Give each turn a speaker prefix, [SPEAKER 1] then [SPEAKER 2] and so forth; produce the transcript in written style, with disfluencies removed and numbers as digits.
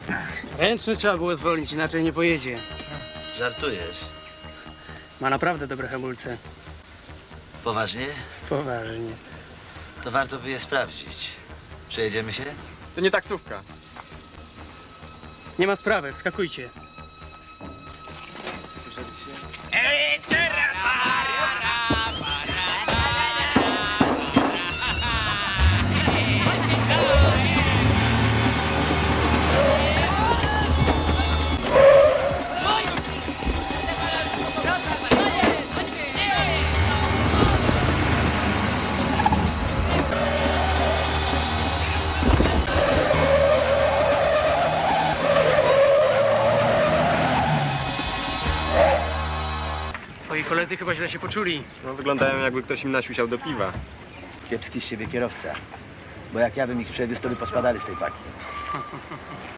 [SPEAKER 1] Ręczny trzeba było zwolnić, inaczej nie pojedzie.
[SPEAKER 2] Żartujesz?
[SPEAKER 1] Ma naprawdę dobre hamulce.
[SPEAKER 2] Poważnie?
[SPEAKER 1] Poważnie.
[SPEAKER 2] To warto by je sprawdzić. Przejedziemy się?
[SPEAKER 3] To nie taksówka.
[SPEAKER 1] Nie ma sprawy, wskakujcie. Twoi koledzy chyba źle się poczuli.
[SPEAKER 3] No, wyglądają jakby ktoś im nasiusiał do piwa.
[SPEAKER 2] Kiepski z siebie kierowca. Bo jak ja bym ich przewiózł, to by pospadali z tej paki.